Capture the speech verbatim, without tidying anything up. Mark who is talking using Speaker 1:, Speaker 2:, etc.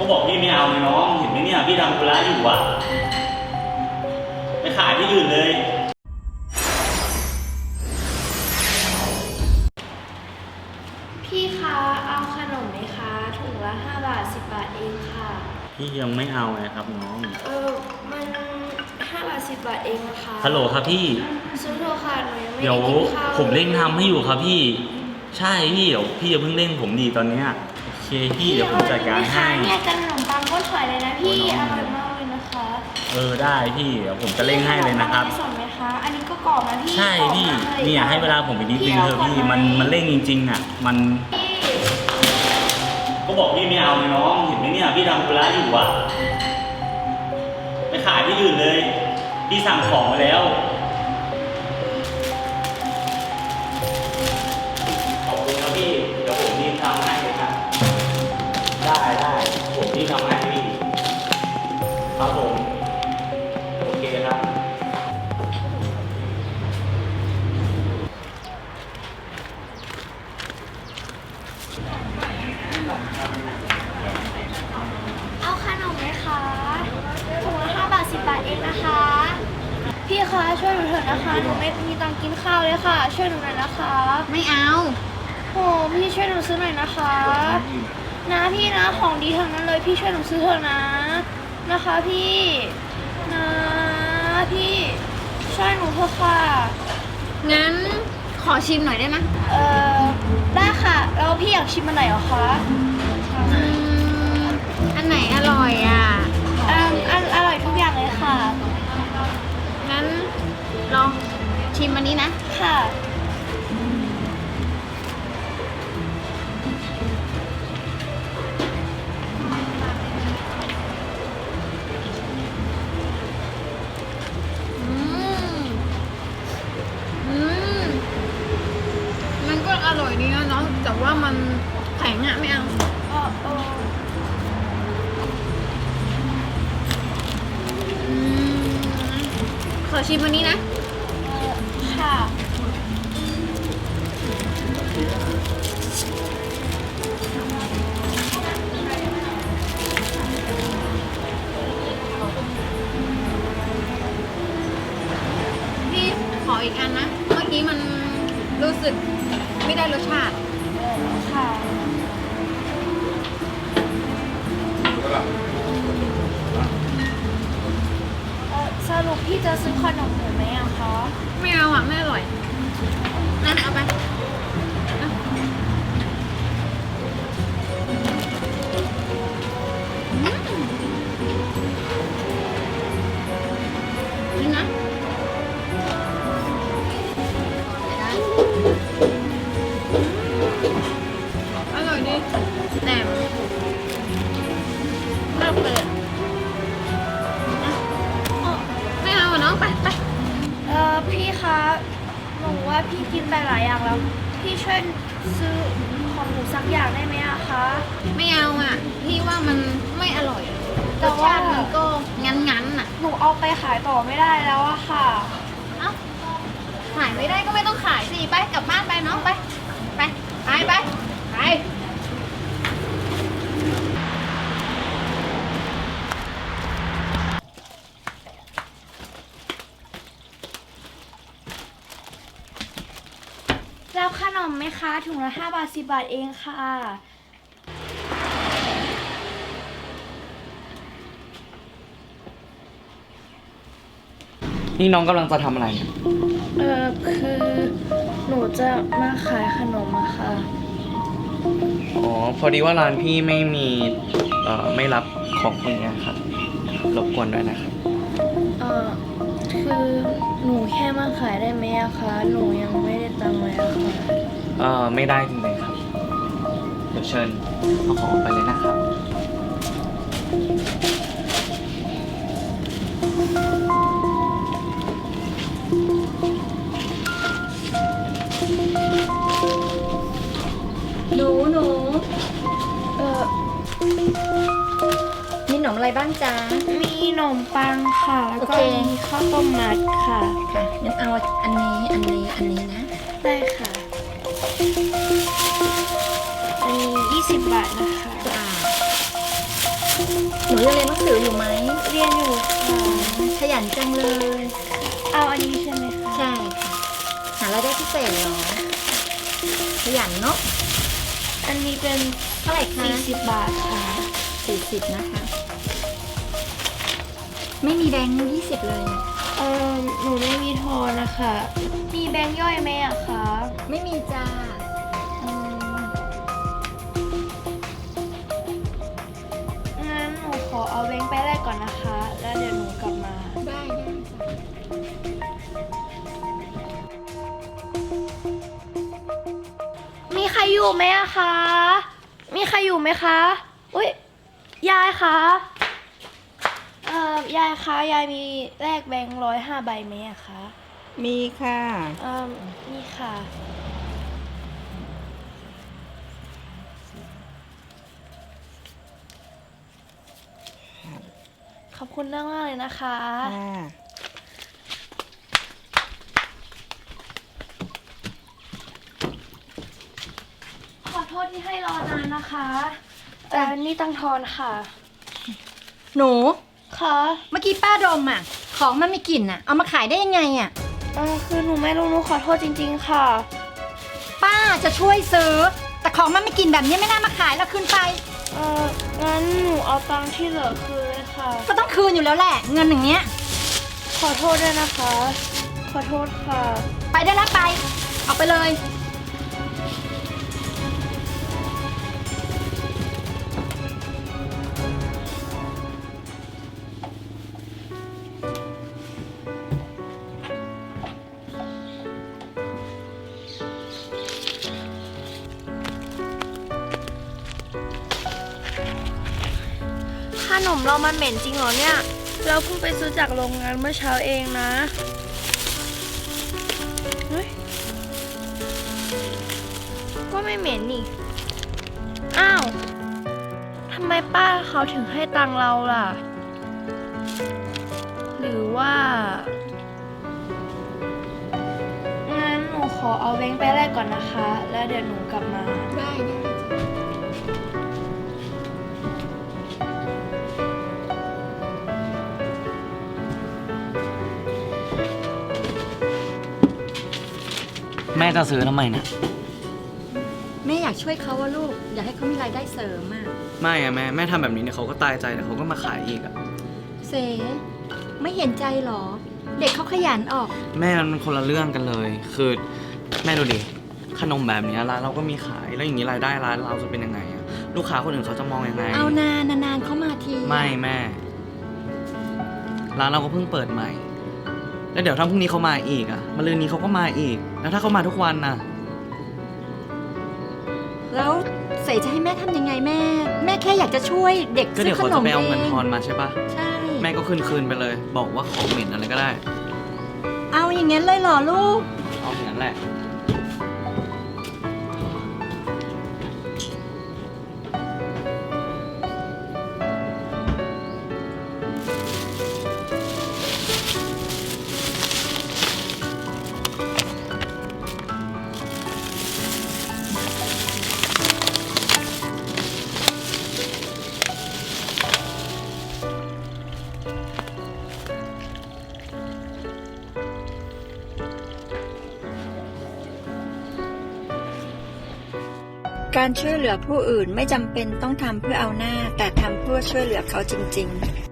Speaker 1: บอกพี่ไม่เอาเลยน้องเห็นไหมเนี่ยพี่ทำธุระอยู่อ่ะไปขายที่อื่นเลย
Speaker 2: พี่คะเอาขนมไหมคะถุงละห้าบาทสิบบาทเองค่ะ
Speaker 1: พี่ยังไม่เอาเลยครับน้อง
Speaker 2: เออมันห้าบาทสิบบาทเองนะคะ
Speaker 1: ฮัลโหลครับพี่
Speaker 2: ซื้อเถอะค่ะหนูยังไม่
Speaker 1: เดี๋ยว
Speaker 2: ได้กินข้าว
Speaker 1: ผมเร่งทำให้อยู่ครับพี่ใช่พี่เดี๋ยวพี่อย่าเพิ่งเร่งผมดีตอนเนี้ยโอเคพี่เดี๋ยวผมจัดการให้
Speaker 2: เนี่ยกันขนมปังก็ถอยเลยนะพี่อร่อยมากเลยนะคะ
Speaker 1: เออได้พี่เดี๋ยวผมจะเร่งให้เลยนะครับ
Speaker 2: สดไหมคะอันนี้ก็กรอบนะพี่
Speaker 1: ใช่พี่เนี่ยให้เวลาผมไปนิดนึงเถอะพี่มันมันเร่งจริงๆอ่ะมันก็บอกพี่ไม่เอาเลยน้องเห็นไหมเนี่ยพี่ทำธุระอยู่อ่ะไปขายที่อื่นเลยพี่สั่งของมาแล้วขอบคุณครับพี่เดี๋ยวผมรีบทำให้เลยครับได้ได้ผมรีบทำให้พี่ครับผมโอเคครับ
Speaker 2: เอาขนมไหมคะถุงละห้าบาทสิบบาทเองนะคะพี่คะช่วยหนูเถอะนะคะหนูไม่มีตังค์กินข้าวเลยค่ะช่วยหนูหน่อยนะคะ
Speaker 3: ไม่เอา
Speaker 2: โอ้พี่ช่วยหนูซื้อหน่อยนะคะนะพี่นะของดีทั้งนั้นเลยพี่ช่วยหนูซื้อเถอะนะนะคะพี่นะพี่ช่วยหนูเถอะค่ะ
Speaker 3: งั้นขอชิมหน่อยได้ไหม
Speaker 2: เออได้ค่ะแล้วพี่อยากชิมอันไหนเหรอคะ
Speaker 3: อืมอันไหนอร่อยอ่ะ
Speaker 2: อันอันอร่อยทุกอย่างเลยค่ะ
Speaker 3: งั้นลองชิมอันนี้นะ
Speaker 2: ค่ะ
Speaker 3: อืมอืมมันก็อร่อยดีนะเนาะแต่ว่ามันแข็งอ่ะไม่เอา
Speaker 2: เออเออ
Speaker 3: อืมขอชิมอันนี้นะ
Speaker 2: ค่ะ
Speaker 3: พี่ขออีกอันนะเมื่อกี้มันรู้สึกไม่ได้รสชาติ
Speaker 2: ค่ะเออสรุปพี่จะซื้อขนมหนูไหมอะคะ
Speaker 3: ไม่เอาอ่ะไม่อร่อยนั่นเอาไปเอาอืมนี่นะอร่อยดีแต่เลิกเลยอะไม่เอาอ่ะน้องไปไป
Speaker 2: เออพี่คะหนูว่าพี่กินไปหลายอย่างแล้วพี่ช่วยซื้อของหนูสักอย่างได้ไหมอะคะ
Speaker 3: ไม่เอาอ่ะพี่ว่ามันไม่อร่อยรสชาติมันก็งั้นๆอ่ะ
Speaker 2: หนูเอาไปขายต่อไม่ได้แล้วอะค่ะ
Speaker 3: เอ้าขายไม่ได้ก็ไม่ต้องขายสิไปกลับบ้านไปน้องไปไปไปไปไป
Speaker 2: รับขนมไหมคะถุงละห้าบาทสิบบาทเองค่ะ
Speaker 4: นี่น้องกำลังจะทำอะไรเนี่ย
Speaker 2: เออคือหนูจะมาขายขนมอะค่ะ
Speaker 4: อ๋อพอดีว่าร้านพี่ไม่มีเอ่อไม่รับของพวกนี้ครับรบกวนด้วยนะครับ
Speaker 2: เออคือหนูแค่มาขายได้ไหมอะคะหนูยังไม่ได้ตังค์เลยอะค่ะ
Speaker 4: เอ่อไม่ได้จริงๆครับเดี๋ยวเชิญเอาของออกไปเลยนะครับ
Speaker 3: หนูหนู
Speaker 2: เออ
Speaker 3: มีขนมอะไรบ้างจ๊ะ
Speaker 2: มีขนมปังค่ะแล้วก็มีข้าวต้มมัดค่ะ
Speaker 3: ค่ะงั้นเอาอันนี้อันนี้อันนี้นะ
Speaker 2: ได้ค่ะอันนี้ยี่สิบบาทนะคะ
Speaker 5: หนูยังเรียนหนังสืออยู่ไหม
Speaker 2: เรียนอยู่ค่ะ
Speaker 5: ขยันจังเลย
Speaker 2: เอาอันนี้ใช่ไหมคะ
Speaker 5: ใช่ค่ะ หารายได้พิเศษเหรอ ขยันเนาะ
Speaker 2: อันนี้เป็น
Speaker 5: เท่าไหร่คะ
Speaker 2: สี่สิบบาทค่ะ
Speaker 5: สี่สิบนะคะ ไม่มีแบงค์ยี่สิบเลยอะ
Speaker 2: เออหนูไม่มีทอนนะคะ มีแบงค์ย่อยไหมอะคะ
Speaker 5: ไม่มีจ้า
Speaker 2: อืมงั้นหนูขอเอาแบงค์ไปแรกก่อนนะคะ แล้วเดี๋ยวหนูกลับมา
Speaker 5: ได้ได้จ้ะ
Speaker 2: มีใครอยู่ไหมอะคะ มีใครอยู่ไหมคะ อุ้ยยายคะเอ่อยายคะ ยายมีแลกแบงค์ร้อยห้าใบไหมอะคะ
Speaker 6: มีค่ะ
Speaker 2: เอ่อนี่ค่ะ ขอบคุณมากๆเลยนะคะ
Speaker 6: ค่ะ
Speaker 2: ขอโทษที่ให้รอนานนะคะเอ่อนี่ตังทอนค่ะ
Speaker 5: หนู
Speaker 2: ค่ะ
Speaker 5: เมื่อกี้ป้าดมอ่ะ ของมันมีกลิ่นอ่ะ เอามาขายได้ยังไงอ่ะ
Speaker 2: เออคือหนูไม่รู้หนูขอโทษจริงๆค่ะ
Speaker 5: ป้าจะช่วยซื้อ แต่ของมันไม่กลิ่นแบบนี้ไม่น่ามาขายแล้วคืนไป
Speaker 2: เอองั้นหนูเอาตังค์ที่เหลือคืนเลยค่ะ
Speaker 5: ก็ต้องคืนอยู่แล้วแหละ เงินอย่างเงี้ย
Speaker 2: ขอโทษด้วยนะคะ ขอโทษค่ะ
Speaker 5: ไปได้แล้วไป เอาไปเลย
Speaker 2: ขนมเรามันเหม็นจริงเหรอเนี่ย เราเพิ่งไปซื้อจากโรงงานเมื่อเช้าเองนะเฮ้ยก็ไม่เหม็นนี่ อ้าว ทำไมป้าเขาถึงให้ตังค์เราล่ะ หรือว่า งั้นหนูขอเอาแบงค์ไปแรกก่อนนะคะ แล้วเดี๋ยวหนูกลับมา
Speaker 5: ได้ได้
Speaker 4: แม่จะซื้อทำไมเนี่ย
Speaker 5: แม่อยากช่วยเขาว่าลูก อยากให้เขามีรายได้เสริมอ่ะ
Speaker 4: ไม่อะแม่แม่ทำแบบนี้เนี่ยเขาก็ตายใจแต่เขาก็มาขายอีกอะ
Speaker 5: เสไม่เห็นใจหรอ เด็กเขาขยันออก
Speaker 4: แม่มันคนละเรื่องกันเลย คือแม่ดูดิขนมแบบเนี้ยร้านเราก็มีขายแล้วอย่างนี้รายได้ร้านเราจะเป็นยังไงอะลูกค้าคนอื่นเขาจะมองยังไง
Speaker 5: เอานานนานๆเขามาที
Speaker 4: ไม่แม่ ร้านเราก็เพิ่งเปิดใหม่ แล้วเดี๋ยวถ้าพรุ่งนี้เขามาอีกอะมะรืนนี้เขาก็มาอีก แล้วถ้าเขามาทุกวันน่ะ
Speaker 5: แล้วเสจะให้แม่ทำยังไงแม่ แม่แค่อยากจะช่วยเด็ก
Speaker 4: ก็
Speaker 5: ซื้
Speaker 4: เดี๋ย
Speaker 5: อ
Speaker 4: ว
Speaker 5: ข
Speaker 4: เขา
Speaker 5: น
Speaker 4: จะ
Speaker 5: ม
Speaker 4: ไป
Speaker 5: เอ
Speaker 4: เอาเงิน
Speaker 5: ง
Speaker 4: ทอนมาใช่ปะ
Speaker 5: ใช่
Speaker 4: แม่ก็คืนคืนๆไปเลย บอกว่าของเหม็นอะไรก็ได้
Speaker 5: เอาอย่างงั้นเลยเหรอลูก
Speaker 4: เอาอย่างนั้นแหละ
Speaker 7: การช่วยเหลือผู้อื่นไม่จำเป็นต้องทำเพื่อเอาหน้า แต่ทำเพื่อช่วยเหลือเขาจริงๆ